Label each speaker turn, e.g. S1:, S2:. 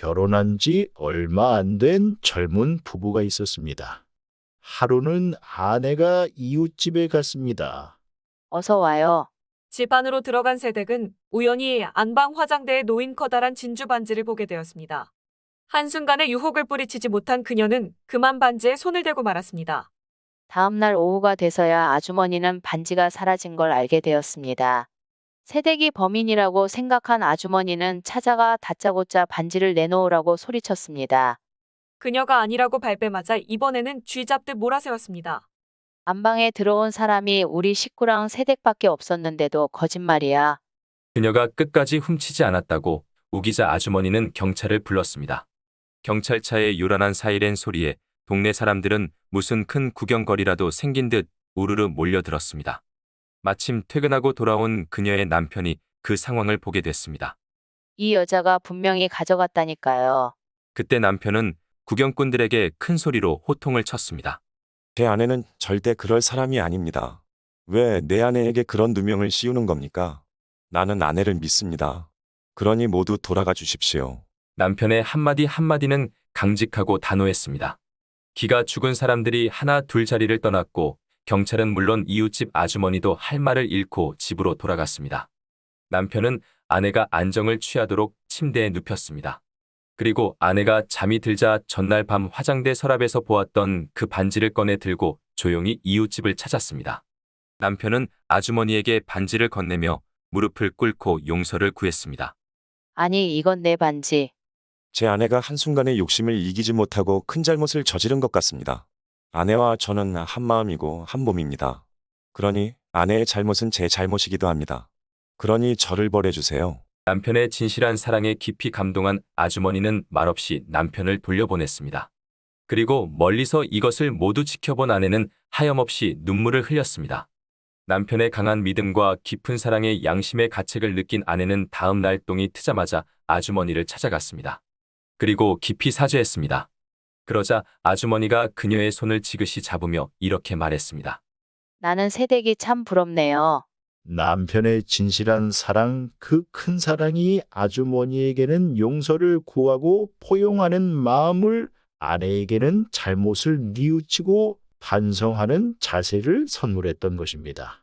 S1: 결혼한 지 얼마 안 된 젊은 부부가 있었습니다. 하루는 아내가 이웃집에 갔습니다.
S2: 어서 와요.
S3: 집 안으로 들어간 세댁은 우연히 안방 화장대에 놓인 커다란 진주 반지를 보게 되었습니다. 한순간에 유혹을 뿌리치지 못한 그녀는 그만 반지에 손을 대고 말았습니다.
S2: 다음 날 오후가 돼서야 아주머니는 반지가 사라진 걸 알게 되었습니다. 새댁이 범인이라고 생각한 아주머니는 찾아가 다짜고짜 반지를 내놓으라고 소리쳤습니다.
S3: 그녀가 아니라고 발뺌하자 이번에는 쥐 잡듯 몰아세웠습니다.
S2: 안방에 들어온 사람이 우리 식구랑 새댁밖에 없었는데도 거짓말이야.
S4: 그녀가 끝까지 훔치지 않았다고 우기자 아주머니는 경찰을 불렀습니다. 경찰차의 요란한 사이렌 소리에 동네 사람들은 무슨 큰 구경거리라도 생긴 듯 우르르 몰려들었습니다. 마침 퇴근하고 돌아온 그녀의 남편이 그 상황을 보게 됐습니다.
S2: 이 여자가 분명히 가져갔다니까요.
S4: 그때 남편은 구경꾼들에게 큰 소리로 호통을 쳤습니다.
S5: 제 아내는 절대 그럴 사람이 아닙니다. 왜 내 아내에게 그런 누명을 씌우는 겁니까? 나는 아내를 믿습니다. 그러니 모두 돌아가 주십시오.
S4: 남편의 한마디 한마디는 강직하고 단호했습니다. 기가 죽은 사람들이 하나 둘 자리를 떠났고 경찰은 물론 이웃집 아주머니도 할 말을 잃고 집으로 돌아갔습니다. 남편은 아내가 안정을 취하도록 침대에 눕혔습니다. 그리고 아내가 잠이 들자 전날 밤 화장대 서랍에서 보았던 그 반지를 꺼내 들고 조용히 이웃집을 찾았습니다. 남편은 아주머니에게 반지를 건네며 무릎을 꿇고 용서를 구했습니다.
S2: 아니, 이건 내 반지.
S5: 제 아내가 한순간에 욕심을 이기지 못하고 큰 잘못을 저지른 것 같습니다. 아내와 저는 한마음이고 한몸입니다. 그러니 아내의 잘못은 제 잘못이기도 합니다. 그러니 저를 벌해주세요.
S4: 남편의 진실한 사랑에 깊이 감동한 아주머니는 말없이 남편을 돌려보냈습니다. 그리고 멀리서 이것을 모두 지켜본 아내는 하염없이 눈물을 흘렸습니다. 남편의 강한 믿음과 깊은 사랑에 양심의 가책을 느낀 아내는 다음 날 똥이 트자마자 아주머니를 찾아갔습니다. 그리고 깊이 사죄했습니다. 그러자 아주머니가 그녀의 손을 지그시 잡으며 이렇게 말했습니다.
S2: 나는 새댁이 참 부럽네요.
S1: 남편의 진실한 사랑, 그 큰 사랑이 아주머니에게는 용서를 구하고 포용하는 마음을, 아내에게는 잘못을 뉘우치고 반성하는 자세를 선물했던 것입니다.